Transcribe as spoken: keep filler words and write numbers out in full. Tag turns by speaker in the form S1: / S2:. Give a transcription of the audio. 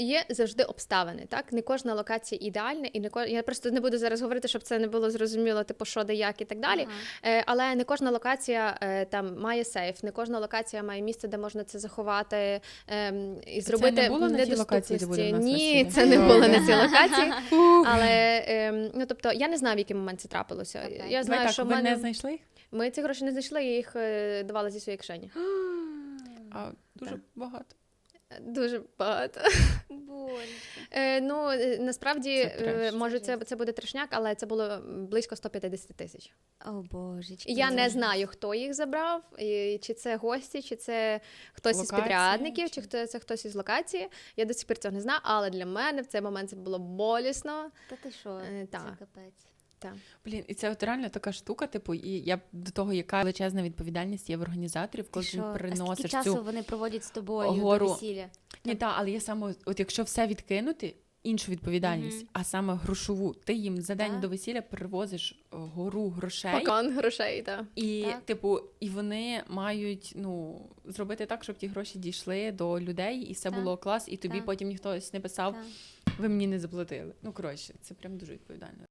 S1: Є завжди обставини, так? Не кожна локація ідеальна, і не ко... я просто не буду зараз говорити, щоб це не було зрозуміло, типу, що, де, як і так далі.
S2: Ага.
S1: Е, але не кожна локація е, там має сейф, не кожна локація має місце, де можна це заховати е, і зробити
S3: це не було на тій локації, де буде в нас
S1: Ні,
S3: весілля?
S1: це не
S3: Добре.
S1: було на цій локації. Але, е, ну, тобто, я не знаю, в який момент це трапилося.
S2: Окей.
S1: Я
S3: Давай
S1: знаю,
S3: так,
S1: що в
S3: ви
S1: мене...
S3: не знайшли їх?
S1: Ми ці гроші не знайшли, я їх е, давала зі своєї кишені.
S3: А, дуже
S1: Так.
S3: багато.
S1: Дуже багато.
S2: Боже.
S1: Е, ну, е, насправді,
S3: Це треш.
S1: е, може,
S2: Це
S1: це,
S2: жесть.
S1: це буде трешняк, але це було близько сто п'ятдесят тисяч.
S2: О, божечки.
S1: Я не
S2: Боже.
S1: знаю, хто їх забрав, і чи це гості, чи це хтось із
S3: Локація,
S1: підрядників, чи
S3: чи-
S1: хто це хтось із локації. Я до сих пір цього не знаю, але для мене в цей момент це було болісно.
S2: Та ти що?
S1: Е,
S2: Це
S1: так.
S2: капець.
S1: Так.
S3: Блін, і це от реально така штука, типу, і я до того, яка величезна відповідальність є в організаторів,
S2: Ти
S3: коли
S2: що?
S3: ти
S2: А скільки
S3: приносиш
S2: часу
S3: цю...
S2: вони проводять з тобою
S3: гору?
S2: до весілля?
S3: Ні, так, але є саме, от якщо все відкинути, іншу відповідальність,
S2: Мгм.
S3: а саме грошову, ти їм за день
S2: Так.
S3: до весілля привозиш е, гору грошей,
S1: Пакан грошей, так.
S3: і,
S2: Так.
S3: типу, і вони мають, ну, зробити так, щоб ті гроші дійшли до людей, і все
S2: Так.
S3: було клас, і тобі
S2: Так.
S3: потім ніхто не писав,
S2: Так.
S3: ви мені не заплатили. Ну, коротше, це прям дуже відповідально.